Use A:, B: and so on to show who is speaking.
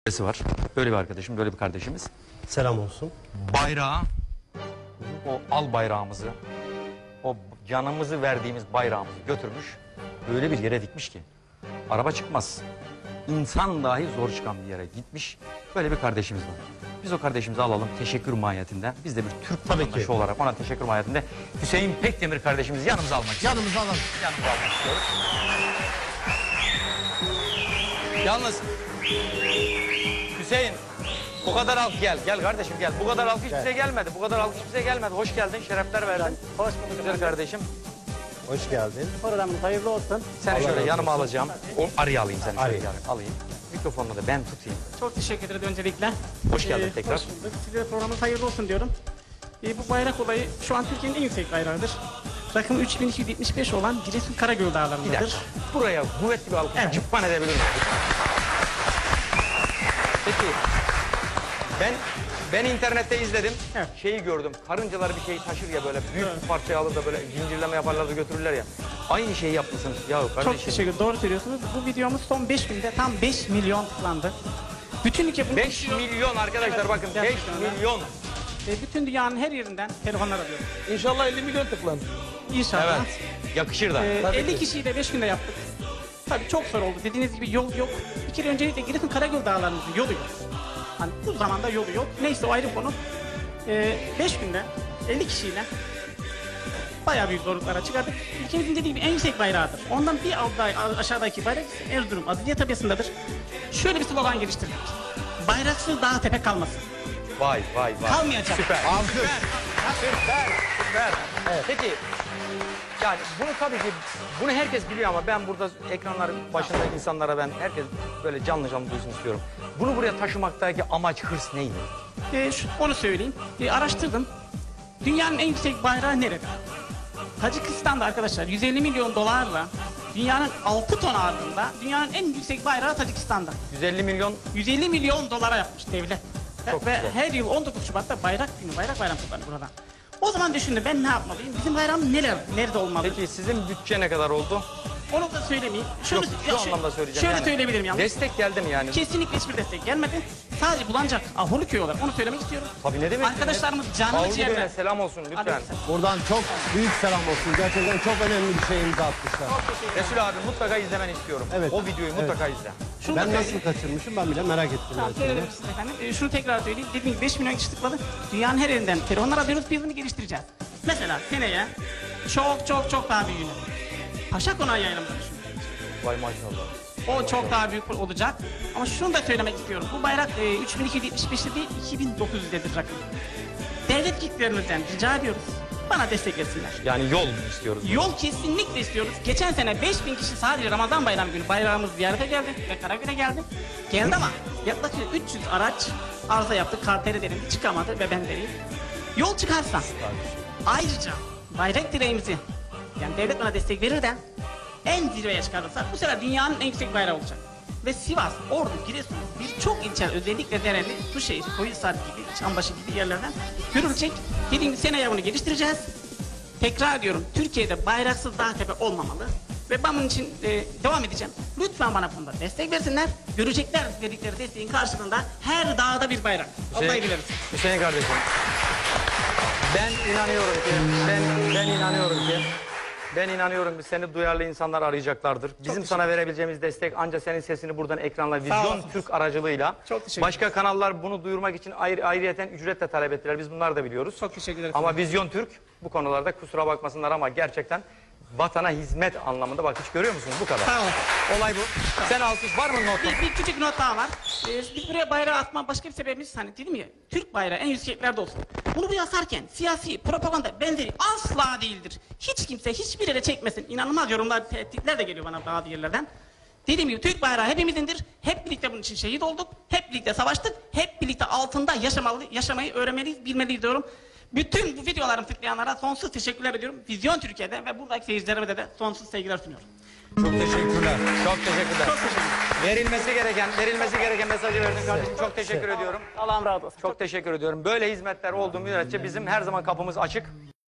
A: var. Böyle bir arkadaşım, böyle bir kardeşimiz.
B: Selam olsun.
A: Bayrağı, o al bayrağımızı, o canımızı verdiğimiz bayrağımızı götürmüş. Öyle bir yere dikmiş ki araba çıkmaz. İnsan dahi zor çıkan bir yere gitmiş. Böyle bir kardeşimiz var. Biz o kardeşimizi alalım teşekkür mahiyetinden. Biz de bir Türk vatandaşı olarak ona teşekkür mahiyetinde Hüseyin Pekdemir kardeşimizi yanımıza almak istiyoruz.
B: Yanımıza alalım.
A: Yanımıza almak istiyoruz. Yalnız Hüseyin bu kadar halk gel kardeşim gel. Bu kadar halk hiç bize gelmedi. Bu kadar halk hiç bize gelmedi. Hoş geldin, şerefler verdin.
C: Hoş bulduk
A: Güzel kardeşim.
B: Hoş geldin.
C: Programınız hayırlı olsun.
A: Seni şöyle yanıma
B: olsun.
A: alacağım. O arıyı alayım seni şöyle
B: Arıyı.
A: alayım. Mikrofonunu da ben tutayım.
C: Çok teşekkür ederim öncelikle.
A: Hoş geldin tekrar.
C: Hoş bulduk. Size programınız hayırlı olsun diyorum. Bu bayrak olayı şu an Türkiye'nin en yüksek bayrağıdır. Rakımı 3275 olan Giresun Karagöl
A: Bir
C: Dağları'ndadır.
A: dakika. Buraya kuvvetli bir alkış
C: Evet.
A: cıppan edebilir miyim? Peki ben internette izledim.
C: Evet.
A: Şeyi gördüm. Karıncalar bir şeyi taşır ya böyle büyük bir parçayı alır da böyle zincirleme yaparlar da götürürler ya. Aynı şeyi yapmışsınız. Ya kardeşim.
C: Çok teşekkür ederim. Doğru söylüyorsunuz. Bu videomuz son 5 günde tam 5 milyon tıklandı. Bütün ülke bunu
A: 5
C: konuşuyor.
A: milyon arkadaşlar
C: Evet,
A: bakın 5
C: gerçekten öyle.
A: milyon.
C: Bütün dünyanın her yerinden telefonlar alıyoruz.
D: İnşallah 50 milyon tıklanır.
C: İnşallah.
A: Evet. Yakışır da.
C: 50 kişiyi de 5 günde yaptık. Tabii çok zor oldu. Dediğiniz gibi yol yok. Bir kere öncelikle Giresun Karagöl Dağları'nın yolu yok. Hani bu zamanda yolu yok. Neyse o ayrı konu. 5 günde 50 kişiyle bayağı büyük zorluklara çıkardık. Ülkemizin dediği gibi en yüksek bayrağıdır. Ondan bir aşağıdaki bayrak ise Erzurum Adliye Tepesi'ndedir. Şöyle bir slogan geliştirdik. Bayraksız dağ tepe kalmasın.
A: Vay.
C: Kalmayacak.
A: Süper.
B: Alkış.
A: Süper. Evet. Peki yani bunu tabii ki bunu herkes biliyor ama ben burada ekranların başında insanlara herkes böyle canlı duysun istiyorum. Bunu buraya taşımaktaki amaç, hırs neydi?
C: Onu söyleyeyim. Araştırdım. Dünyanın en yüksek bayrağı nerede? Tacikistan'da arkadaşlar 150 milyon dolarla dünyanın 6 ton ağırlığında dünyanın en yüksek bayrağı Tacikistan'da.
A: 150 milyon
C: 150 milyon dolara yapmış devlet.
A: Çok
C: Ve
A: güzel.
C: her yıl 19 Şubat'ta bayrak günü, bayrak bayramı kutlanır burada. O zaman düşündüm ben ne yapmalıyım? Bizim bayrağımız nerede olmalı?
A: Peki sizin bütçe ne kadar oldu?
C: Onu da söylemeyeyim.
A: Yok şu anlamda söyleyeceğim.
C: Şöyle
A: yani.
C: söyleyebilirim yalnız.
A: Destek geldi mi yani?
C: Kesinlikle hiçbir destek gelmedi. Sadece Bulancak, Ahurluköy olarak onu söylemek istiyorum.
A: Tabii ne demek?
C: Arkadaşlarımız canlı
A: Avrupa
C: ciğerler.
A: Bey'e selam olsun lütfen.
C: Aleykümselam.
B: Buradan çok büyük selam olsun. Gerçekten çok önemli bir şey imza atmışlar.
A: Resul abi mutlaka izlemeni istiyorum.
B: Evet.
A: O videoyu mutlaka izle.
C: Şunu da
B: Ben
C: söyleyeyim.
B: nasıl kaçırmışım ben bile merak ettim.
C: Tamam,
B: gerçekten.
C: söylerim size efendim. Şunu tekrar söyleyeyim. Dediğim gibi 5 milyon kişi tıkladı. Dünyanın her yerinden telefonlar alıyoruz. Biz bunu geliştireceğiz. Mesela seneye çok daha büyüğünü. Paşa Konağı yayınımızı düşünüyoruz.
A: Vay maşallah.
C: O çok daha büyük olacak. Ama şunu da söylemek istiyorum. Bu bayrak 3275'te değil 2900'dedir rakım. Devlet kitlerimizden rica ediyoruz. Bana destek versinler.
A: Yani yol istiyoruz.
C: Yol kesinlikle istiyoruz. Geçen sene 5000 kişi sadece Ramazan bayramı günü bayrağımız ziyarete geldi ve Karagöl'e geldi. Geldi ama yaklaşık 300 araç arıza yaptı. Karteri denildi, çıkamadı ve ben vereyim. Yol çıkarsa ayrıca bayrak direğimizi yani devlet bana destek verir de en zirveye çıkarırsa bu sefer dünyanın en yüksek bayrağı olacak. Ve Sivas, Ordu, Giresun birçok ilçe özellikle Dereli, Suşehir, Koyunsaat gibi, Çambaşı gibi yerlerden görülecek. Dediğimiz seneye bunu geliştireceğiz. Tekrar diyorum Türkiye'de bayraksız dağ tepe olmamalı. Ve ben bunun için devam edeceğim. Lütfen bana bunda destek versinler. Görecekler verdikleri desteğin karşılığında her dağda bir bayrak. Vallahi biliriz.
A: Hüseyin kardeşim. Ben inanıyorum ki seni duyarlı insanlar arayacaklardır. Bizim sana verebileceğimiz destek ancak senin sesini buradan ekranla Vizyon
C: olasınız.
A: Türk aracılığıyla.
C: Çok teşekkür
A: Başka kanallar bunu duyurmak için ayrıyeten ücret de talep ettiler. Biz bunları da biliyoruz.
C: Çok teşekkür ederim.
A: Ama Vizyon Türk bu konularda kusura bakmasınlar ama gerçekten vatana hizmet anlamında bak hiç görüyor musunuz bu kadar.
C: Sağ olun.
A: Olay bu. Sen alkış var mı notun?
C: Bir küçük not daha var. Biz buraya bayrağı atma başka bir sebebimiz hani dedim ya Türk bayrağı en yükseklerde olsun. Bunu buraya asarken siyasi propaganda benzeri asla değildir. Hiç kimse hiçbir yere çekmesin. İnanılmaz yorumlar, tehditler de geliyor bana bazı yerlerden. Dediğim gibi Türk bayrağı hepimizindir. Hep birlikte bunun için şehit olduk. Hep birlikte savaştık. Hep birlikte altında yaşamayı öğrenmeliyiz, bilmeliyiz diyorum. Bütün bu videolarımı tıklayanlara sonsuz teşekkürler ediyorum. Vizyon Türkiye'de ve buradaki seyircilerime de sonsuz sevgiler sunuyorum.
A: Çok teşekkürler. Çok teşekkürler.
C: Çok teşekkür ederim.
A: Verilmesi gereken mesajı verdin kardeşim. Çok teşekkür ediyorum.
C: Allah'ım razı olsun.
A: Çok teşekkür ediyorum. Böyle hizmetler olduğu müddetçe bizim her zaman kapımız açık.